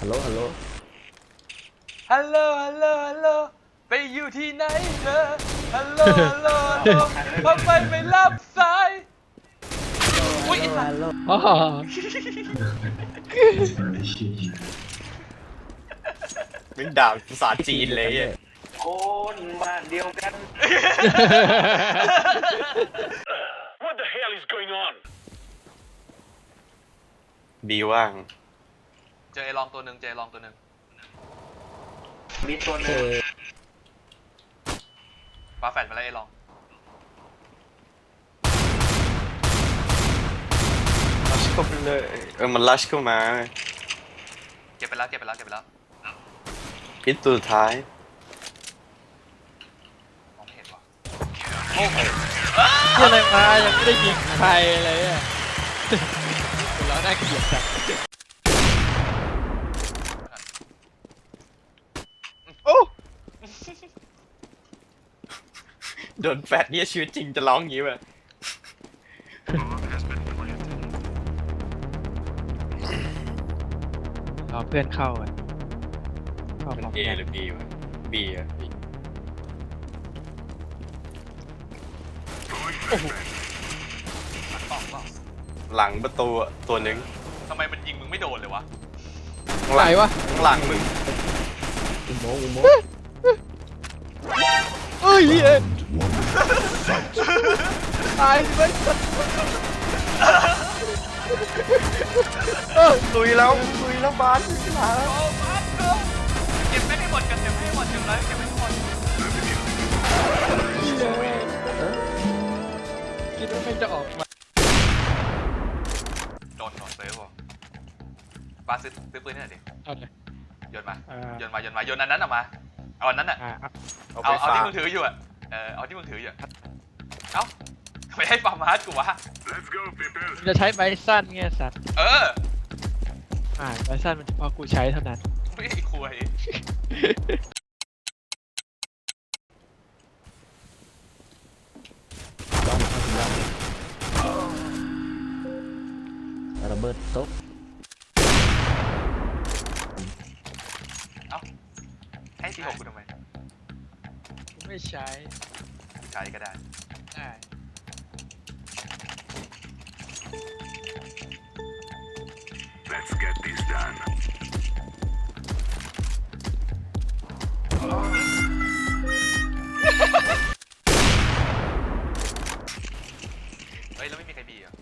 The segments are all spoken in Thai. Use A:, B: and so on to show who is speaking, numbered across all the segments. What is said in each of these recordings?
A: ฮัลโหลฮัลโหล
B: ฮัลโหลฮัลโหลฮัลโหลไปอยู่ที่ไหนเธอฮัลโหลฮัลโหลฮัลโหลทำไมไม่รับสายอุ้ยไอ้สัตว์
C: อ๋อ
D: เป็นด่าภาษาจีนเลยอ่ะ
E: คนบ้านเดียวกัน
F: What the hell is going on?
D: ดีว่าง
B: เจอไอ้ลองตัวหนึ่งเจอไอ้ลองตัวหนึ่ง
E: มีตัวหนึง
B: ปาแฟดมาแล้วไอ้ลอง
D: ลัชเข้าไปเลยมันลัชเข้ามา
B: เก็บไปแล้วเก็บไปแล้วเก็บไปแล้ว
D: พิษตัวสุดท้าย
B: มองไม่เห็นว่ะ
C: อะไรมายังไม่ได้ยิงใครเลยอ่ะเราน่าเกลียดจัง
D: โอ้โดนแฟดเนี่ยชีวิตจริงจะร้องอย่างนี้ป่ะ
C: รอเพื่อนเข้าอ่ะเข้าพร้อม
D: เอ
C: กัน
D: หรือบีวะบีอะ B
B: หลังกล่องเปล่า
D: หลังประตูอะตัวหนึ่ง
B: ทำไมมันยิงมึงไม่โดนเลยวะ
D: ข้าง
C: ไห
D: ห
C: น
D: ลัง
C: วะ
D: ข้างหลังมึง
A: อุโมงค์อุโมงค์
C: เอ้ยเอ็นตายไป
D: ลุยแล้วบาสลุยแล้ว
B: โอ้มาเถอะเก็บไม่ให้หมดกันเก็บไม่ให้หมดเก็บเลยเก็บไม่ให้หมด
C: คิดว่าไม่จะออกมา
B: โดนซื้อว่ะปาซื้อปืนนี่หน่อยดิ
C: เอาเลย
B: โยนมา
C: อ่า
B: โยนมาโยนมาโยนอันนั้นออกมาเอาอันนั้นอ่ะ
D: เอา
B: เอา
D: ไป
B: เอา
D: ฝา
B: ที่
D: ก
B: มึงถืออยู่อ่ะเอาที่มึงถืออยู่อะเอ้าไม่ให้ฟาร์มาร์ทกูวะ
F: Let's go, people.
C: จะใช้ใบสั้นไงสัตว์
B: เออ
C: ใบสั้นมันเฉพาะกูใช้เท่านั้น
B: ไม่ไอ้คุย
A: ระเบิดโต๊ะ
B: เอ้าให้ทีหกกูทำไม
C: กูไม่ใช้
B: ใช้ก็ได้
C: ได้
F: Let's get this done.
B: เฮ้ยแล้วไม่มีใครบีอ่ะ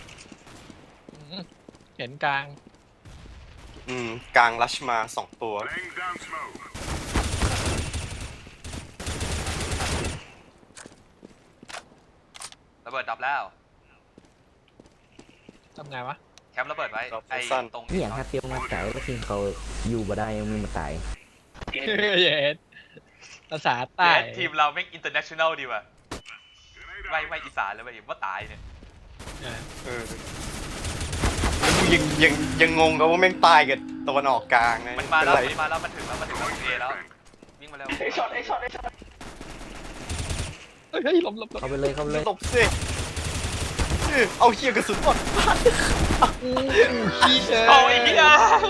C: เห็นกลาง
D: กลางลัชมา2 ตัว
F: Laying down smoke.
B: ระเบิดดับแล้ว
C: ทำไงวะ
B: แคมป์ระเบิดไว้
D: ครับ
B: ไอ้
D: สั้น
B: ตรง
A: นี่อย่างถ้าเตียวมาไก่แล้วทีมเขาอยู่บ่ได้ยังมีมาตาย
C: เย็นภาษาใต้
B: เย้ทีมเราแม่งอินเตอร์เนชั่นแนลดีว่ะไม่อีสานเลยเว้ยว่าตายเนี่ย
D: เออแล้วกูยังงงกับว่าแม่งตายกับตะวันออกกลางไง
B: มันมาแล้ว
D: เป็นไร
B: มันมาแล้วมันถึงแล้วมันถึงแล้วเอแล้ววิ่งมาแล้ว
E: ไอ้ช็อตไอ้ช็อตไอ้ช็อต
C: เฮ้ยหลบ
A: เข้าไปเลยเข้าไปเลย
D: ตบสิเอาเฮียกระสุนหมด
C: ขี้เชย
B: โอ้ยเหี้ย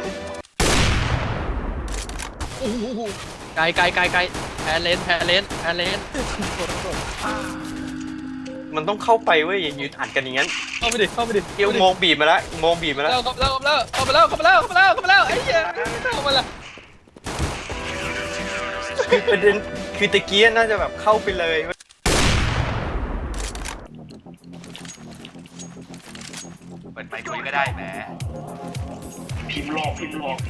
C: ไกลแพ้เลน
D: มันต้องเข้าไปเว้ยอย่ายืนอัดกันอย่างนั้น
C: เข้าไปดิ
D: เกี่ยวโมงบีบมาแล้วโมงบีบมาแล้ว
C: เข้ามาแล้วไอ้เหี้ยเข้ามาแล้ว
D: คือประเด็นคือตะเกียน่าจะแบบเข้าไปเลยเว้ย
B: เปิดไมค์คุยก็ได้แหม
E: พิมพ์หลอกพิมพ์ให้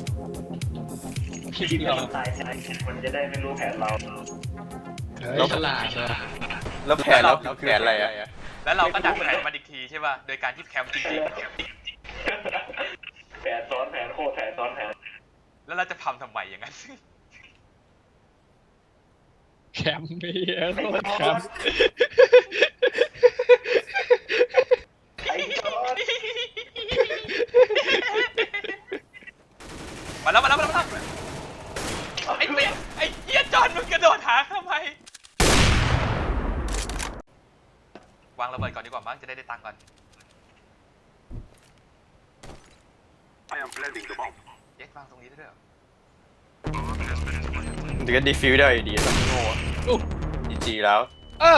E: มันตายใจมันจะได้ไม่รู้แผนเรา
C: ฉลาดเลย
D: แล้วแผนแล้วคือแผนอะไรอะ
B: แล้วเราก็ดักแผนมันอีกทีใช่ป่ะโดยการที่แคมป์จริง
E: แผนซ้อนแผนโคตรแผนซ้อนแผน
B: ๆแล้วเราจะทำไมอย่างนั้น
C: แคมป์ไม่เหี้ยโคตรแคมป์
E: ไอ้ช็อต
B: มาแล้วไอ้เหี้ยไอ้เหี้ยจอนมึงกระโดดหาทำไมวางระเบิดก่อนดีกว่ามั้งจะได้ตังค์ก่อน
F: I am planting the bomb.
B: เย็ดวางตรงนี้ได้ด้วยเหรอ
D: เดี๋ยวก็ดีฟิวได้อยู่ดีต้องโง่จีแล้ว
C: เอ้า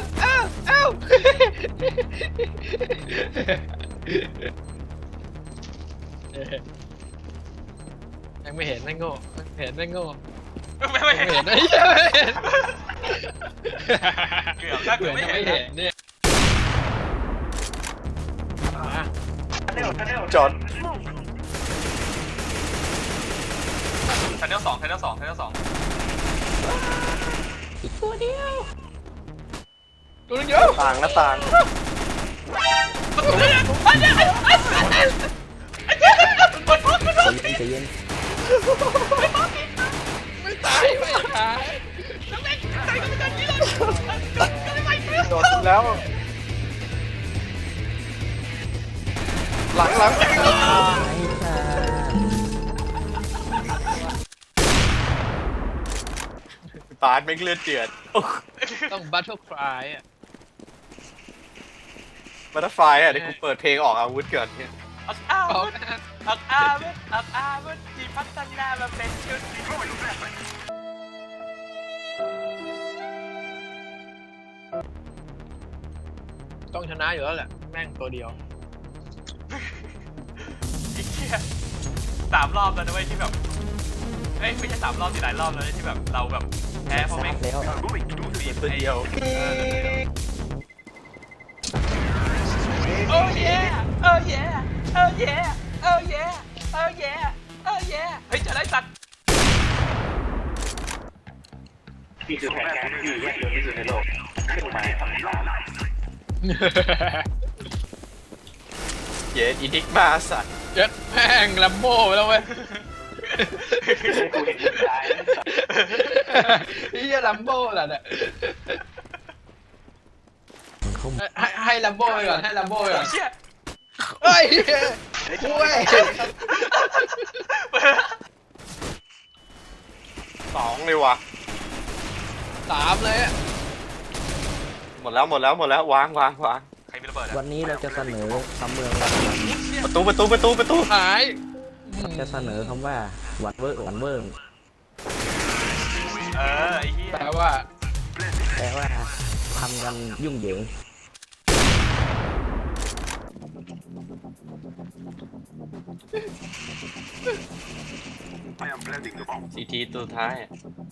C: ยังไม่เห็นไม่โง่เห็นไม่โง่
B: ไม่
C: ไม่
B: เห็น
C: เห็นไอ้เหี้ยไม่เห็น
B: เกือบถ้า
C: เกื
B: เกื
C: อ
B: อ
C: บบ จะ
B: ไม่
C: ไม่
B: เห็
C: เห็
B: น
C: นเนี่ยมา
D: จอด
B: ชั้นเดียวสองชั้นเดียวสองชั้นเดียวสอง
C: ตัวนึงเยอะ
D: ต่างหน้าต่าง
A: ใจเย็น
C: ไม่ตายไม่ตาย
D: โดดแล้ว หลัง
A: ๆไม่ค่ะ
D: ปาดไม่เลือดเดือด
C: ต้องบัตเทิลคลายอ่ะ
D: บัตเตอร์ไฟอ่ะเดี๋ยวกูเปิดเพลงออกอาวุธก่อนเนี่ย
B: อักอาวุธอักอาวุธอักอาวุธที่พัฒนามาเป็นชุด
C: ต้องชนะอยู่แล้วแหละแม่งตัวเดียว
B: ไอ้เหี้ย3 รอบแล้วนะเว้ยที่แบบเอ้ยไม่ใช่3 รอบสิหลายรอบแล้วที่แบบเราแบบแพ้เพราะ
A: ซั
B: แม่ง
A: ดแล้ว
B: บีบ
D: ตัวเดียว
B: โอ้เย่โอ้เย่โอ้เย่โอ้เย่โอ้เย่โอ้เย่เฮ้ยเจะได้สัตว์
E: นี่คือแผนการที่แยกยนต์ที่สุดในโลกเครื่องหมายคำถาม
D: เย็ดอีดิกมาสัตว์
C: เจ็ดแม่งลัมโบ้ไปแล้วเว้ย
E: ให้กูเห็นมึงตายนะ
C: ไอ้เหี้ยลัมโบ้แหละเนี่ย
A: มันเข้ามา
C: ให้ลัมโบ้ไปก่อนให้ลัมโบ้ไปก่อน
B: เชี่ย
C: เฮ้ยคุย
D: 2เลยว่ะ
C: 3เลยอ่ะ
D: หมดแล้ววาง
B: ใครมีระเบิดอ่ะ
A: วันนี้เราจะเสนอคำเมือง
D: ประตู
C: หาย
A: จะเสนอคำว่าหวันเวอร์หวันเวอร์
B: ไอ้เหี้ย
C: แปลว่า
A: แปลว่าทำกันยุ่งเหยิง
F: I am planting the bomb.
D: ซีทีตัวท้ายอะ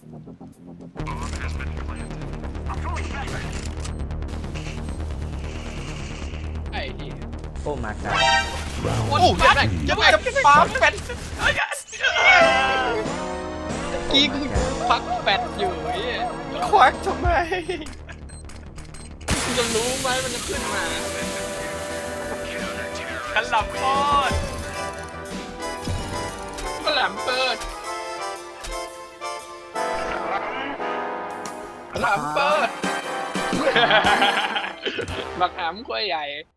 F: I'm throwing flashbang.
C: ไอ้เหี้ย
A: โอ้มากา
C: โอ้ยแม่งจะแม่งปาแฟดกี้กูพักแฟดอยู่ไอ้เหี้ย
D: ควักทำไม
C: กูจะรู้ไหมมันจะขึ้นมา
B: ขันหลับโคตร
C: ก็แหลมเปิดแหลมเปิดบักหำกล้วยใหญ่